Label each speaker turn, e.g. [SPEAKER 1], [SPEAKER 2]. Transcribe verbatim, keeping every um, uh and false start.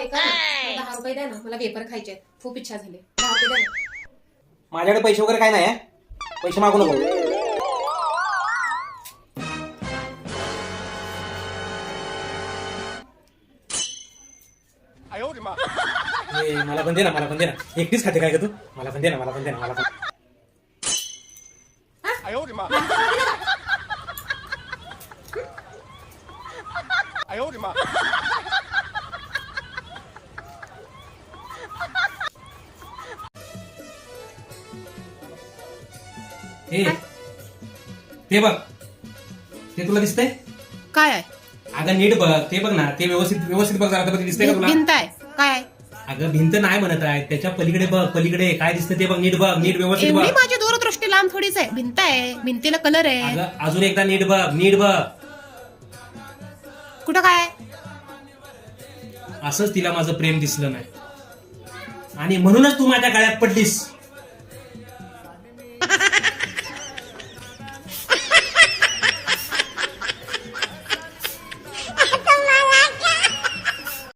[SPEAKER 1] ऐका ना, दहा रुपये द्या ना, मला पेपर खायचे आहेत, खूप इच्छा झाली. दहा रुपये द्या ना.
[SPEAKER 2] माझ्याकडे पैसे वगैरे काय नाही आहे, पैसे मागू नको. ए, मला पण दे ना, मला पण दे ना. एकटीच खाते काय का तू? मला पण दे ना, मला पण दे ना, मला पण. ए, ते बघ, ते तुला दिसतंय?
[SPEAKER 1] काय आहे?
[SPEAKER 2] अगं नीट बघ, ते बघ ना, ते व्यवस्थित व्यवस्थित बघ जरा, ते दिसतंय का तुला?
[SPEAKER 1] भिंत आहे काय आहे?
[SPEAKER 2] अगं भिंत नाही म्हणत आहे, त्याच्या पलीकडे बघ, पलीकडे काय दिसतं ते बघ, नीट बघ, नीट व्यवस्थित बघ.
[SPEAKER 1] एवढी माझी दूरदृष्टी लांब थोडीच आहे. भिंत आहे, भिंतीला कलर आहे.
[SPEAKER 2] अगं अजून एकदा नीट बघ, नीट बघ.
[SPEAKER 1] कुठं काय आहे?
[SPEAKER 2] असंच तिला माझं प्रेम दिसलं नाही आणि म्हणूनच तू माझ्या गळ्यात पडलीस.